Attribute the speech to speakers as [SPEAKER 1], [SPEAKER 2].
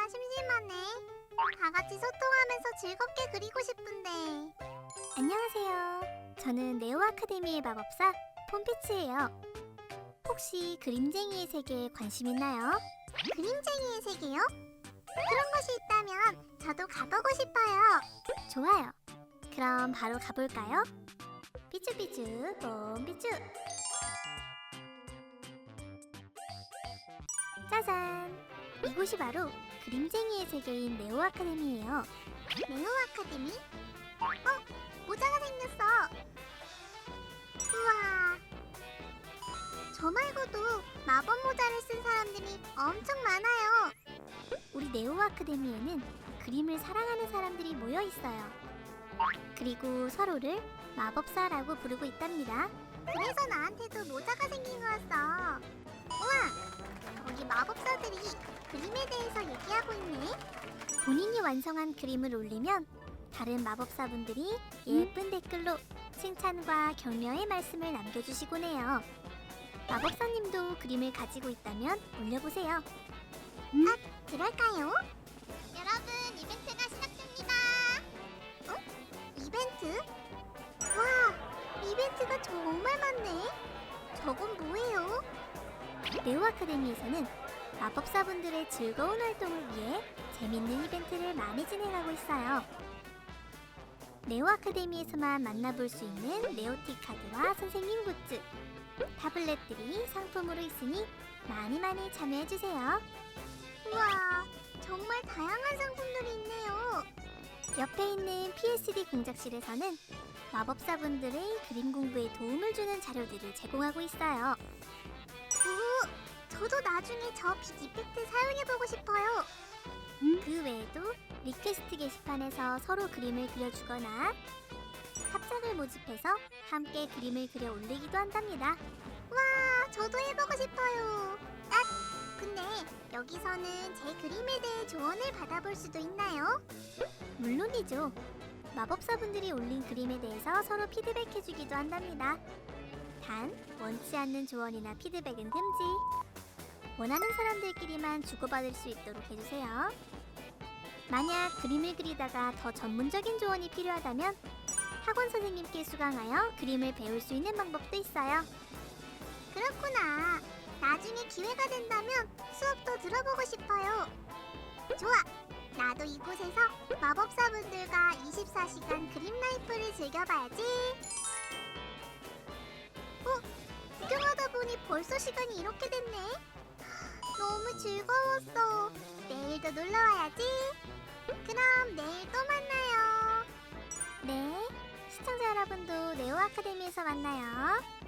[SPEAKER 1] 그리기가 심심하네. 다 같이 소통하면서 즐겁게 그리고 싶은데.
[SPEAKER 2] 안녕하세요. 저는 네오 아카데미의 마법사 폼피츠예요. 혹시 그림쟁이의 세계에 관심 있나요?
[SPEAKER 1] 그림쟁이의 세계요? 그런 곳이 있다면 저도 가보고 싶어요.
[SPEAKER 2] 좋아요. 그럼 바로 가볼까요? 삐쭈삐쭈 폼피쭈. 짜잔! 이곳이 바로 그림쟁이의 세계인 네오 아카데미예요.
[SPEAKER 1] 네오 아카데미? 모자가 생겼어. 우와. 저 말고도 마법 모자를 쓴 사람들이 엄청 많아요.
[SPEAKER 2] 우리 네오 아카데미에는 그림을 사랑하는 사람들이 모여 있어요. 그리고 서로를 마법사라고 부르고 있답니다.
[SPEAKER 1] 그래서 나한테도 모자가 생긴 거였어. 우와. 거기 마법사들이 그림에 대해서 얘기하고 있네.
[SPEAKER 2] 본인이 완성한 그림을 올리면 다른 마법사분들이 예쁜 댓글로 칭찬과 격려의 말씀을 남겨주시곤 해요. 마법사님도 그림을 가지고 있다면 올려보세요.
[SPEAKER 1] 그럴까요? 여러분, 이벤트가 시작됩니다. 이벤트? 와, 이벤트가 정말 많네. 저건 뭐예요?
[SPEAKER 2] 네오 아카데미에서는 마법사분들의 즐거운 활동을 위해 재밌는 이벤트를 많이 진행하고 있어요. 네오 아카데미에서만 만나볼 수 있는 네오티 카드와 선생님 굿즈, 타블렛들이 상품으로 있으니 많이 참여해주세요.
[SPEAKER 1] 우와, 정말 다양한 상품들이 있네요.
[SPEAKER 2] 옆에 있는 PSD 공작실에서는 마법사분들의 그림 공부에 도움을 주는 자료들을 제공하고 있어요.
[SPEAKER 1] 저도 나중에 저 빛 이펙트 사용해보고 싶어요.
[SPEAKER 2] 그 외에도 리퀘스트 게시판에서 서로 그림을 그려주거나 합작을 모집해서 함께 그림을 그려 올리기도 한답니다.
[SPEAKER 1] 와, 저도 해보고 싶어요. 근데 여기서는 제 그림에 대해 조언을 받아볼 수도 있나요?
[SPEAKER 2] 물론이죠. 마법사분들이 올린 그림에 대해서 서로 피드백해주기도 한답니다. 단, 원치 않는 조언이나 피드백은 금지. 원하는 사람들끼리만 주고받을 수 있도록 해주세요. 만약 그림을 그리다가 더 전문적인 조언이 필요하다면 학원 선생님께 수강하여 그림을 배울 수 있는 방법도 있어요.
[SPEAKER 1] 그렇구나. 나중에 기회가 된다면 수업도 들어보고 싶어요. 좋아. 나도 이곳에서 마법사분들과 24시간 그림 라이프를 즐겨봐야지. 구경하다 보니 벌써 시간이 이렇게 됐네. 너무 즐거웠어. 내일도 놀러와야지. 그럼 내일 또 만나요.
[SPEAKER 2] 네, 시청자 여러분도 네오 아카데미에서 만나요.